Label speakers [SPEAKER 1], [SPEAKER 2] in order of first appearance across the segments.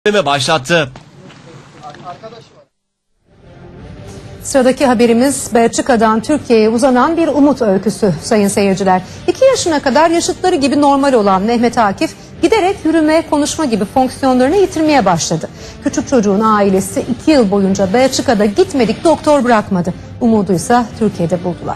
[SPEAKER 1] başlattı.
[SPEAKER 2] Sıradaki haberimiz Belçika'dan Türkiye'ye uzanan bir umut öyküsü sayın seyirciler. 2 yaşına kadar yaşıtları gibi normal olan Mehmet Akif giderek yürüme, konuşma gibi fonksiyonlarını yitirmeye başladı. Küçük çocuğun ailesi 2 yıl boyunca Belçika'da gitmedik doktor bırakmadı. Umuduysa Türkiye'de buldular.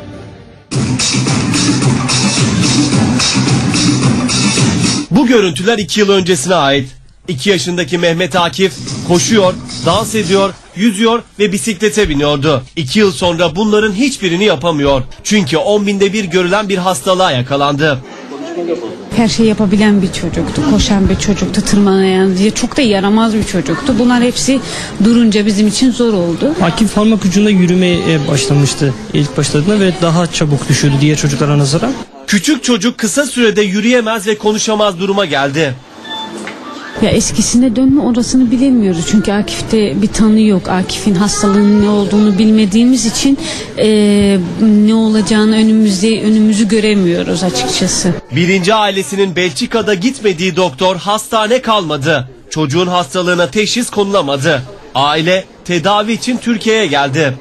[SPEAKER 1] Bu görüntüler 2 yıl öncesine ait. 2 yaşındaki Mehmet Akif koşuyor, dans ediyor, yüzüyor ve bisiklete biniyordu. 2 yıl sonra bunların hiçbirini yapamıyor. Çünkü 10 binde bir görülen bir hastalığa yakalandı.
[SPEAKER 3] Her şeyi yapabilen bir çocuktu, koşan bir çocuktu, tırmanayan diye çok da yaramaz bir çocuktu. Bunlar hepsi durunca bizim için zor oldu.
[SPEAKER 4] Akif parmak ucunda yürümeye başlamıştı ilk başladığında ve daha çabuk düşüyordu diğer çocuklara nazaran.
[SPEAKER 1] Küçük çocuk kısa sürede yürüyemez ve konuşamaz duruma geldi.
[SPEAKER 3] Ya eskisine dönme orasını bilemiyoruz. Çünkü Akif'te bir tanı yok. Akif'in hastalığının ne olduğunu bilmediğimiz için ne olacağını önümüzü göremiyoruz açıkçası.
[SPEAKER 1] Birinci ailesinin Belçika'da gitmediği doktor hastane kalmadı. Çocuğun hastalığına teşhis konulamadı. Aile tedavi için Türkiye'ye geldi.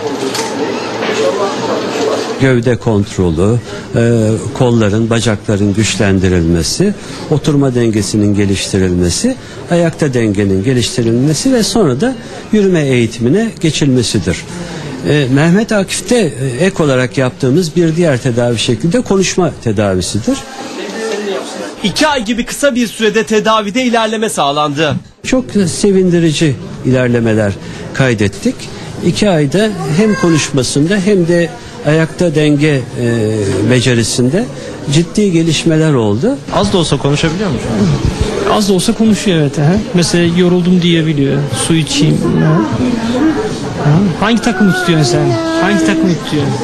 [SPEAKER 5] Gövde kontrolü, kolların, bacakların güçlendirilmesi, oturma dengesinin geliştirilmesi, ayakta dengenin geliştirilmesi ve sonra da yürüme eğitimine geçilmesidir. Mehmet Akif'te ek olarak yaptığımız bir diğer tedavi şekli de konuşma tedavisidir.
[SPEAKER 1] 2 ay gibi kısa bir sürede tedavide ilerleme sağlandı.
[SPEAKER 5] Çok sevindirici ilerlemeler kaydettik. 2 ayda hem konuşmasında hem de ayakta denge becerisinde ciddi gelişmeler oldu.
[SPEAKER 4] Az da olsa konuşabiliyor mu? Az da olsa konuşuyor, evet. Mesela yoruldum diyebiliyor. Su içeyim. Hangi takımı tutuyorsun sen? Hangi takımı tutuyorsun?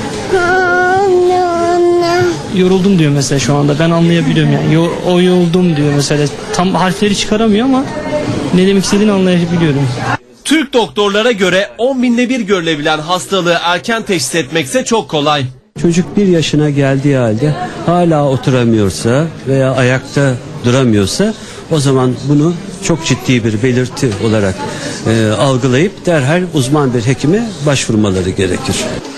[SPEAKER 4] Yoruldum diyor mesela şu anda. Ben anlayabiliyorum yani. O yoruldum diyor mesela. Tam harfleri çıkaramıyor ama ne demek istediğini anlayabiliyorum.
[SPEAKER 1] Türk doktorlara göre 10 binde bir görülebilen hastalığı erken teşhis etmekse çok kolay.
[SPEAKER 5] Çocuk 1 yaşına geldiği halde hala oturamıyorsa veya ayakta duramıyorsa o zaman bunu çok ciddi bir belirti olarak algılayıp derhal uzman bir hekime başvurmaları gerekir.